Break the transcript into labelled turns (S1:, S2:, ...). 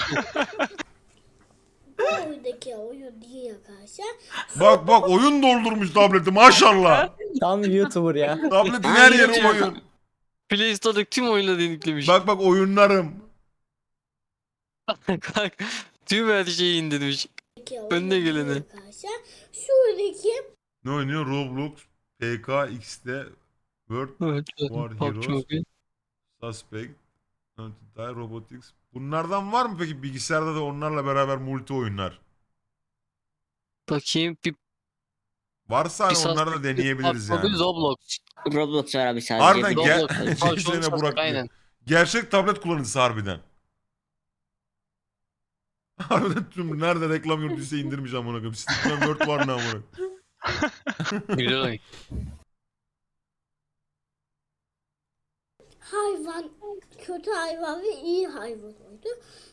S1: Bu oyundaki oyun değil arkadaşlar.
S2: Bak oyun doldurmuş tableti maşallah.
S3: Tam YouTuber ya.
S2: Tabletin
S4: Aa,
S2: her
S4: yine
S2: yeri
S4: diyor.
S2: oyun.
S4: Play Store'daki tüm oyunları yüklemiş.
S2: Bak oyunlarım.
S4: Kanka, tüm her şeyi indirmiş. Önüne geleni.
S1: Arkadaşlar şuradaki
S2: Ne oynuyor? Roblox, PKX'de, World
S4: Evet,
S2: War
S4: PUBG
S2: Heroes,
S4: Mobile.
S2: Suspect, Anti-Die, Robotics. Bunlardan var mı peki bilgisayarda da onlarla beraber multi oyunlar?
S4: Bakayım bir
S2: Varsa hani onları da
S4: Suspect,
S2: deneyebiliriz
S4: PUBG Mobile,
S2: yani.
S4: Roblox.
S5: Roblox var abi sadece.
S2: Harbiden
S5: Bir
S2: gel.
S5: de-
S4: Roblox.
S2: Şey
S4: PUBG
S2: söyleme
S4: Suspect,
S2: Burak diyor.
S4: aynen.
S2: Gerçek tablet kullanıcısı harbiden. Harbiden tüm nerede reklam yurduysa indirmiş amına koyayım. Steam'den Word var ne amına.
S4: Güzel oyun.
S1: hayvan, kötü hayvan ve iyi hayvan oydu.